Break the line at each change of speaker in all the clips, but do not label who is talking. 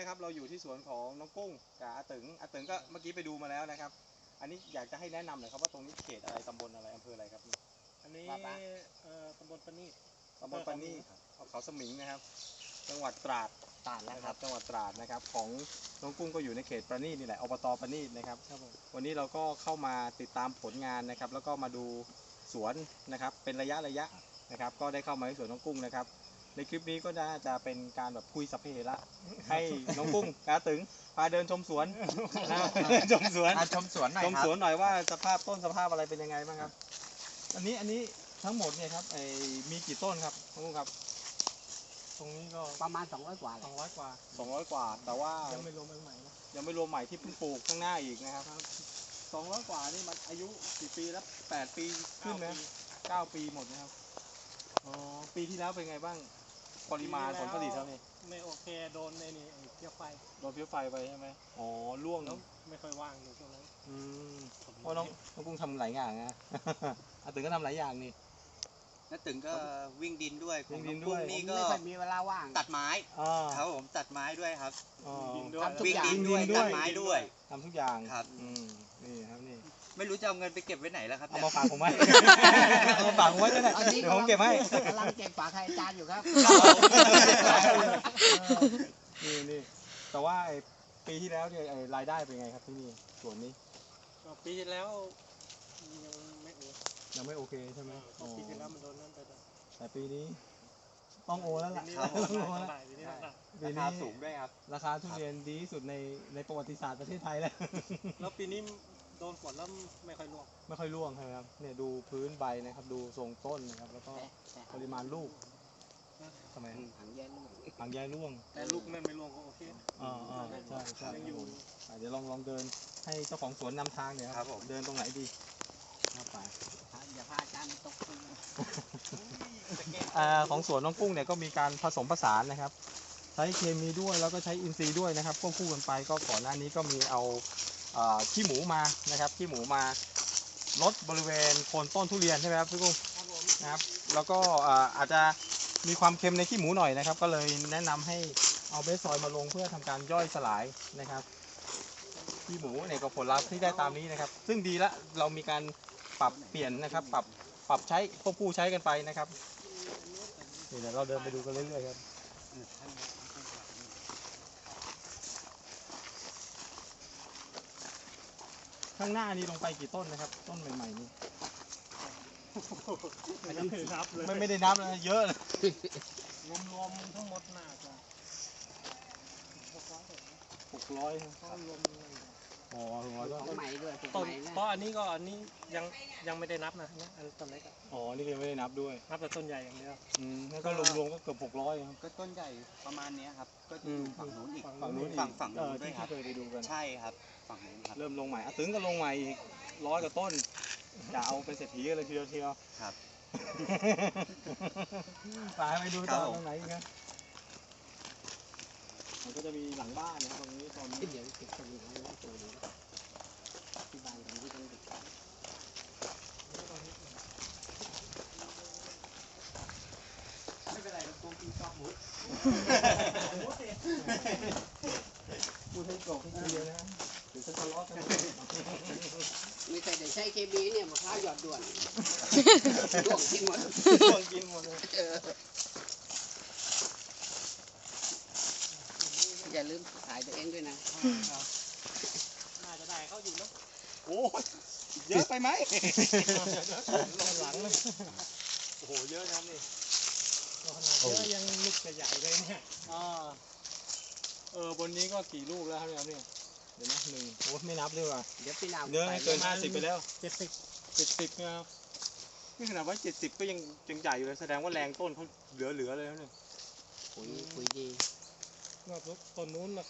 นะครับเราอยู่ที่สวนของน้องกุ้งกับอาตึงก็เมื่อกี้ไปดูมาแล้วนะครับอันนี้อยากจะให้แนะนำหน่อยครับว่าตรงนี้เขตอะไรตำบลอะไรอำเภออะไรครับ
อันนี้ตำบลปะนี่
เขาสมิงนะครับจังหวัดตราดนะครับจังหวัดตราดนะครับของน้องกุ้งก็อยู่ในเขตประณีตนี่แหละอบตประณีตนะครับวันนี้เราก็เข้ามาติดตามผลงานนะครับแล้วก็มาดูสวนนะครับเป็นระยะนะครับก็ได้เข้ามาในสวนน้องกุ้งนะครับในคลิปนี้ก็น่าจะเป็นการแบบคุยสัพเพเหระให้น้องกุ้งกาตึงพาเดินชมสวนชมสวนหน่อยว่าสภาพต้นสภาพอะไรเป็นยังไงบ้างครับอันนี้ทั้งหมดเนี่ยครับมีกี่ต้นครับน้องกุ้งครับตรงนี้ก็
ประมาณ200 กว่า
แต่ว่า
ยังไม่รวมใหม่นะ
ยังไม่รวมใหม่ที่เพิ่งปลูกข้างหน้าอีกนะครับ200 กว่านี่มันอายุกี่ปีแล้ว8 ปีขึ้นนะ9 ปีหมดนะครับอ๋อปีที่แล้วเป็นไงบ้างปริมาณผลผลิตเท่านี้
ไม่โอเคโดนในนี่เพี้ยไฟ
ไปใช่ไหมอ๋อร่วง
แล้วไม่ค่อยว่างในช่วงนั้น
เพราะน้องกุ้งทำหลายอย่างนะอาตึงก็ทำหลายอย่างนี่
น้าตึงก็วิ่งดินด้วยของน้องกุ้งนี่ก็
ไม่ค่อยมีเวลาว่าง
ตัดไม้ครับผมตัดไม้ด้วยครับ
วิ่ง
ดินด้วยตัดไม้ด้วย
ทำทุกอย่าง
ครับ
นี่ครับนี่
ไม่รู้จะเอาเงินไปเก็บไว้ไหนแล้วครับ
เอามาฝากผมไว้เอามาฝากผมไว้ก็ได้เดี๋ยวผมเก็บให้
กำลังเก็บฝากใครอาจารย์อยู่ครับ
นี่แต่ว่าปีที่แล้วเนี่ยรายได้เป็นไงครับที่นี่ส่วนนี้
ปีที่แล้ว
ยังไม่โอเคใช่ไหม
ปีที่แล้วมันโดนนั่นไป
แต่ปีนี้ต้องโอแล้วล่ะ
ราคาสูงด้วยครับ
ราคาทุเรียนดีที่สุดในประวัติศาสตร์ประเทศไทยแล้ว
ปีนี้โดนฝนแล้วไม่ค่อยร่
วงใช่ไหมครับเนี่ยดูพื้นใบนะครับดูทรงต้นนะครับแล้วก็ปริมาณลูกทำไม
ผังแย่
ร่วง
แต่ลูกไม่ร่วงก็โอเค
ใช่เดี๋ยวลองเดินให้เจ้าของสวนนำทางเนี่ยครับเดินตรงไหนดีไป
อย่าพาอาจารย์ตก
ของสวนน้องกุ้งเนี่ยก็มีการผสมผสานนะครับใช้เคมีด้วยแล้วก็ใช้อินทรีย์ด้วยนะครับควบคู่กันไปก็ก่อนหน้านี้ก็มีเอาขี้หมูมานะครับขี้หมูมาลดบริเวณโคนต้นทุเรียนใช่ไหมครับพี่กุ้งนะครับแล้วก็อาจจะมีความเค็มในขี้หมูหน่อยนะครับก็เลยแนะนำให้เอาเบสซอยมาลงเพื่อทำการย่อยสลายนะครับขี้หมูเนี่ยก็ผลลัพธ์ที่ได้ตามนี้นะครับซึ่งดีละเรามีการปรับเปลี่ยนนะครับปรับใช้ควบคู่ใช้กันไปนะครับนี่เดี๋ยวเราเดินไปดูกันเรื่อยๆครับข้างหน้านี้ลงไปกี่ต้นนะครับต้นใหม่ๆนี้
ไม่ได้นับเลย
ไม่ได้นับเลยเยอะเลย
รวมทั้งหมดน่าจะ
600รวมอ๋อ
ต้นใหม่ด้วยต้นเพราะอันนี้ยังไม่ได้นับนะอันต้นเล็ก
อ๋อนี่ยังไม่ได้นับด้วย
นับแต่ต้นใหญ่อย่างเดียว
แล้วก็รวมก็เกือบ600ครับ
ก็ต้นใหญ่ประมาณนี้ครับก็จะอยู่ฝั่งนู้นอีก
ฝั่งนู้น
ด้วยครับ
เคยไปดูกัน
ใช่ครับฝั่งนู้นครับ
เริ่มลงใหม่ตึงก็ลงใหม่อีก100 กว่าต้นจะเอาเป็นเศรษฐีเลยทีเดียว
ครับ
ไปดูต่อตรงไหนกันมันก็จะมีหลังบ้านนะครับตรงนี้ตอนนี้
เดี๋ยวเก็บตัวนี้ตัวนี้ที่บ้านผมที่ต้องเด็ก
ไม่เป็นไรเราตัวกินชอบมุด
พูดให้กรอกให้เยอะนะเดี๋ยวจะทะเลาะกัน
ไม่ใช่แต่ใช้เคมีเนี่ยมะพร้าวหยอดด่วนด่วงกินหมด
เลย
อย่าลืมถ่ายตัวเองด้วยนะน่าจะได้เขาอยู่แล้ว
โอ้เยอะไปไหมหลังเลยโอ้โหเยอะนะนี่
ขนาดเยอะยังลูกใหญ่เลยเนี่ย
บนนี้ก็กี่ลูกแล้วครับเนี่ยเดี๋ยวนะ1โอ้ไม่นับเลยว่ะ
เดี๋ยวปีหน้า
เนื้อเกิน50ไปแล้ว
70
นะครับนี่ขนาดว่า70ก็ยังใหญ่อยู่เลยแสดงว่าแรงต้นเขาเหลือเลยแล้วเนี่ย
ปุ๋ยดีนอกจากต้นนู้นนะ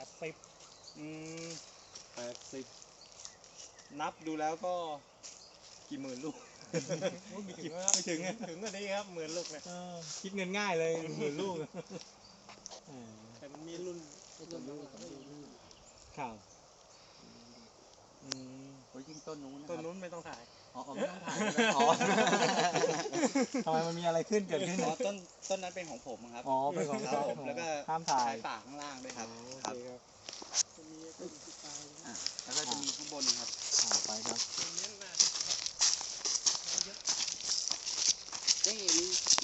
80นับดูแล้วก็กี่หมื่นลูกไม่ถึง
ก็ดีครับหมื่นลูกนะ
คิดเงินง่ายเลยหมื่นลูก
แต่มันมีรุ่น
ข่าว
โอ้ยยิ่งต้นนู้น
ไม่ต้องถ่าย
อ๋อไม่ต้องถ่ายอ๋อ
ทำไมมันมีอะไรขึ้นเกิดขึ้น
อ๋อต้นนั้นเป็นของผมครับ
อ๋อเป็นของ
ครับผมแล้วก็
ห้ามถ่าย
ใช้ปากข้างล่างด้วยครับ
โอเคครับ
อ่ะแล้วก็จะมีข้างบนครับ
ไปครับ
ได้เห็น